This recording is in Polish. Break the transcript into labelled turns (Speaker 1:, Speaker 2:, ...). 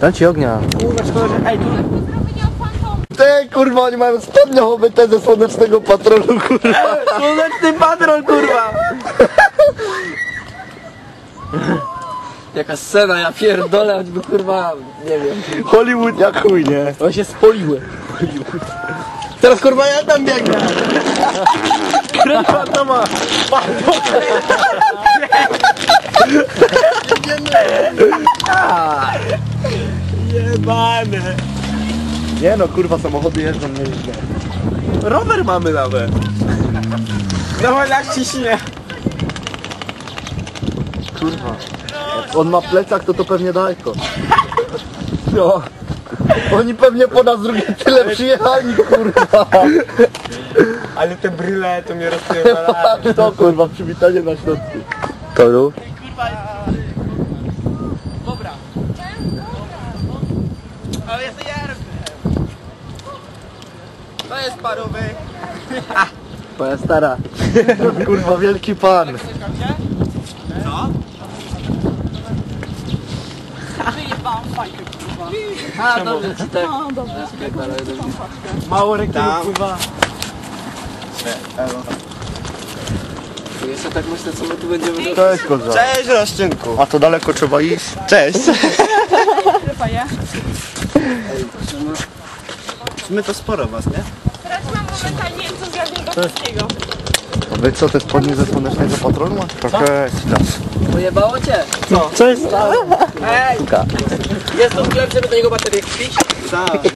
Speaker 1: Dam ci ognia.
Speaker 2: Kurwa, szkoda, że... Ej, tu...
Speaker 1: Ty kurwa, oni mają spodnie obyte ze słonecznego patrolu, kurwa.
Speaker 2: Słoneczny patrol, kurwa! Jaka scena, ja pierdolę, choćby kurwa, nie wiem.
Speaker 1: Hollywood jak chuj, nie?
Speaker 2: On się spoliły. Teraz kurwa ja tam biegnę.
Speaker 1: Kurwa, to ma.
Speaker 2: Jebane.
Speaker 1: Nie no, kurwa, samochody jeżdżą nieźle.
Speaker 2: Rower mamy nawet. Dawaj jak ciśnie.
Speaker 1: Kurwa. Jak on ma plecak, to pewnie daleko. No. Oni pewnie po nas drugie tyle przyjechali, kurwa.
Speaker 2: Ale te bryle to mnie rozpierdalają.
Speaker 1: To kurwa, przywitanie na środku. Toru.
Speaker 2: Dobra. Ale jest jarby. To jest parowy.
Speaker 1: Moja stara. Kurwa, wielki pan.
Speaker 2: Co?
Speaker 3: Wyjebałam fajkę, kurwa.
Speaker 2: A, dobrze ci tak.
Speaker 3: No, dobrze.
Speaker 2: Mało reklamy wpływa. Jeszcze tak myślę, co my tu będziemy robić.
Speaker 1: Cześć, koza.
Speaker 2: Cześć, Roszczynku.
Speaker 1: A to daleko trzeba iść?
Speaker 2: Cześć.
Speaker 3: Chyba je.
Speaker 2: My to sporo was, nie?
Speaker 3: Teraz mam momentalnie co z Radniego.
Speaker 1: A wy co, te spodnie ze słonecznego patrolu masz? Trochę nas.
Speaker 2: Pojebało cię? Co?
Speaker 1: Co jest?
Speaker 2: Ej! Jest tu sklep, żeby do niego baterię kupić? Tak.